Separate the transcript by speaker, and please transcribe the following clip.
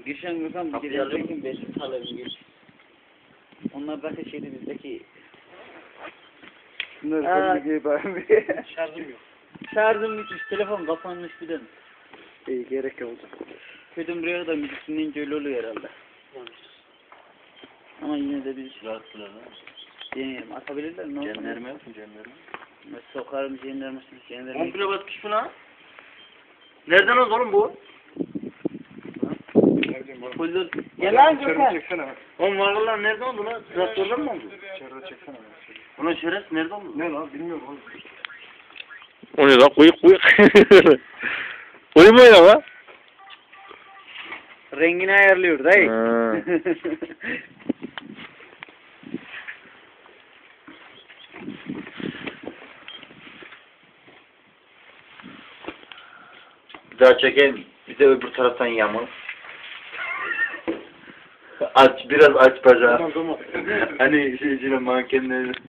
Speaker 1: Girşen Gürkan bir
Speaker 2: Kapıyı
Speaker 1: geri
Speaker 2: alıyor
Speaker 1: alacak besin talebim gir. Onlar zaten şeydi bizdeki.
Speaker 3: Bunlar gibi bari.
Speaker 2: Şarjım yok.
Speaker 1: Şarjım bitmiş, telefon kapanmış bir de.
Speaker 3: İyi gerek oldu.
Speaker 1: Köyden buraya kadar müzik dinleyince öyle oluyor herhalde. Ama yine de biz
Speaker 2: Rahatsızlar ha.
Speaker 1: deneyelim. Atabilirler mi?
Speaker 2: Cennerme yok mu cennerme?
Speaker 1: Sokarım cenderme. Cenderme.
Speaker 2: Komple basmış buna. Nereden oldu oğlum bu?
Speaker 1: Full. Gel lan Gürkan.
Speaker 3: Çeksene.
Speaker 2: Oğlum varlılar nereden oldu lan? Traktörden mi oldu?
Speaker 3: İçeride çeksene.
Speaker 2: Ulan şeref nereden oldu?
Speaker 3: Ne lan bilmiyorum oğlum.
Speaker 4: O ne lan? Kuyuk kuyuk. Oyun mu oyna lan?
Speaker 1: Rengini ayarlıyor dayı.
Speaker 4: Ha.
Speaker 2: Bir daha çekeyim. Bir de öbür taraftan yamul. Aç, biraz aç bacağı.
Speaker 3: Tamam.
Speaker 2: Hani şeyciyle mankenleri.